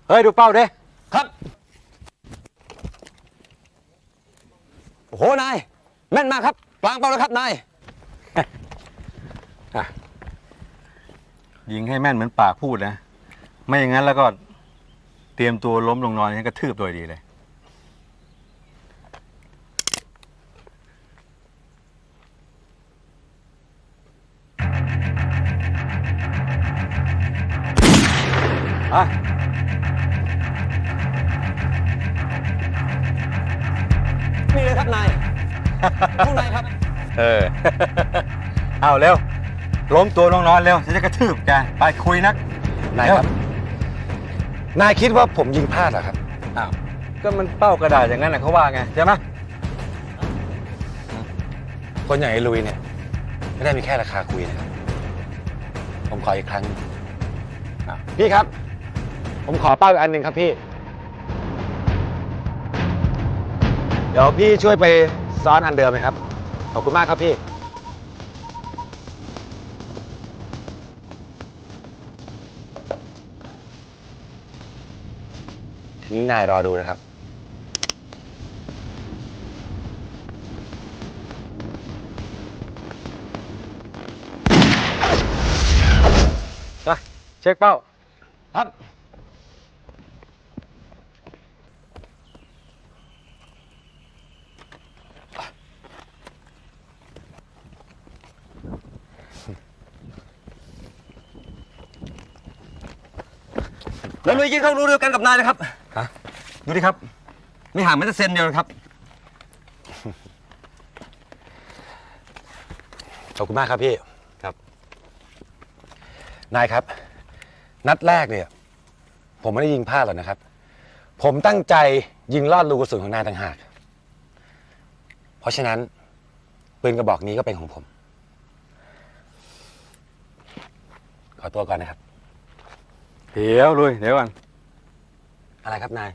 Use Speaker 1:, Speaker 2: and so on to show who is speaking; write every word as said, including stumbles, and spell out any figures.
Speaker 1: เฮ้ยดูเป้าดิ
Speaker 2: ครับโอ้โหนายแม่นมากครับกลางเป้าแล้วครับนาย
Speaker 1: ยิงให้แม่นเหมือนปากพูดนะไม่อย่างนั้นแล้วก็เตรียมตัวล้มลงนอนงั้นกระทืบโดยดีเลยอ่ะ
Speaker 2: นี่เลยครับนายพวกนายครับ
Speaker 1: เออ เอาเร็วล้มตัวลงนอนเร็วฉันจะกระทืบแกไปคุยนัก
Speaker 3: นายครับ นายคิดว่าผมยิงพลาดเหรอครับ
Speaker 1: อ้าวก็มันเป้ากระดาษอย่างนั้นนะเขาว่าไงใช่ไหม
Speaker 3: คนอย่างไอ้ลุยเนี่ยไม่ได้มีแค่ราคาคุยนะครับ ผมขออีกครั้งพี่ครับ ผมขอเป้าอีกอันหนึ่งครับพี่ เดี๋ยวพี่ช่วยไปซ้อนอันเดิมไหมครับ ขอบคุณมากครับพี่ทีนี้นายรอดูนะครับ
Speaker 1: ไปเช็คเป้า
Speaker 3: ครับ
Speaker 2: แล้วลุยกินข้าวรู้เดียวกันกับนายเลยครับ
Speaker 1: ฮะ
Speaker 2: ดูดิครับไม่ห่างแม้แต่เซนเดียวนะครับ
Speaker 3: ขอบคุณมากครับพี่
Speaker 1: ครับ
Speaker 3: นายครับ นัดแรกเนี่ย ผมไม่ได้ยิงพลาดหรอกนะครับ ผมตั้งใจยิงลอดรูกระสุนของนายต่างหาก เพราะฉะนั้นปืนกระบอกนี้ก็เป็นของผม ขอตัวก่อนนะครับ
Speaker 1: เดี๋ยวลุยเดี๋ยวก่อน
Speaker 3: อะไรครับนาย